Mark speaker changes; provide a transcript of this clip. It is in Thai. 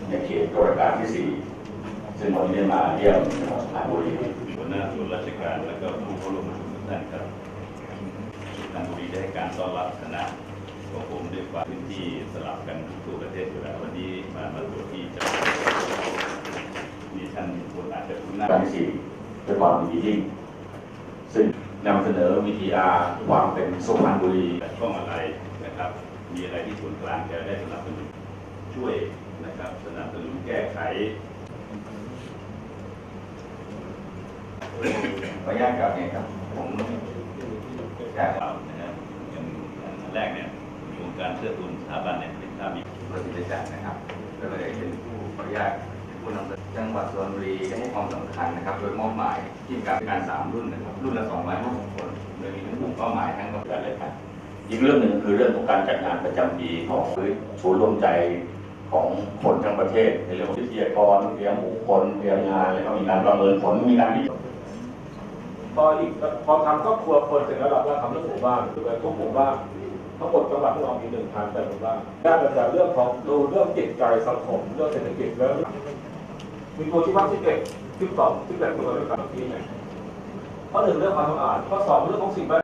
Speaker 1: ในเขตตุลาการที่4ซึ่งวันนี้ได้มาเยี่ยมจังหวัดสุพรรณบุรี
Speaker 2: หัวหน้าส่วนราชการและก็ผู้เข้าร่วมประชุมทุกท่านครับสุพรรณบุรีได้ให้การต้อนรับคณะของผมด้วยความพื้นที่สลับกันทั่วประเทศอยู่แล้ววันนี้มาตรวจที่จังหวัดมีท่านคนอาจจะคุ้นหน้า
Speaker 1: การที่4ด้วยความดียิ่งซึ่งนำเสนอวิทยาความเป็นสุพรรณบุรี
Speaker 2: ช่องอะไรนะครับมีอะไรที่ส่วนกลางจะได้สนับสนุนช่วยนะครับสนับสนุนแก้ไข
Speaker 1: ขออนุญาตกล่าวเองครับผมอยาก
Speaker 2: เรานะครับอย่างแรกเนี่ยโครงการเชื่อทุนสถาบันเนี่ยเป็นภาพมี
Speaker 1: ประสิทธิจักรนะครับก็เลยเป็นผู้ขออนุญาตผู้นำเสนอจังหวัดสุพรรณบุรีให้ความสำคัญนะครับโดยมอบหมายที่การ3รุ่นนะครับรุ่นละ250 คนโดยมีทั้งกลุ่มเป้าหมายทั้งประการเลยครับอีกเรื่องหนึ่งคือเรื่องของการจัดงานประจำปีของศูนย์รวมใจของคนทั้งประเทศในเรื่องวิทยากรเตรียมบุคคลเตรียมงานแล้วก็มีการประเมินผลมีการวิจัย
Speaker 3: พอทำครอบครัวคนเสร็จแล้วเราก็ทำเรื่องหมู่บ้านคือทุกหมู่บ้านทั้งหมดจังหวัดที่เรามี1,000หมู่บ้านด้านจากเรื่องของดูเรื่องจิตใจสังคมเรื่องเศรษฐกิจแล้วมีตัวชี้วัดที่1 12 18ตัวด้วยกันที่ไหนข้อ 1เรื่องความสะอาดข้อ 2เรื่องของสิ่งแวด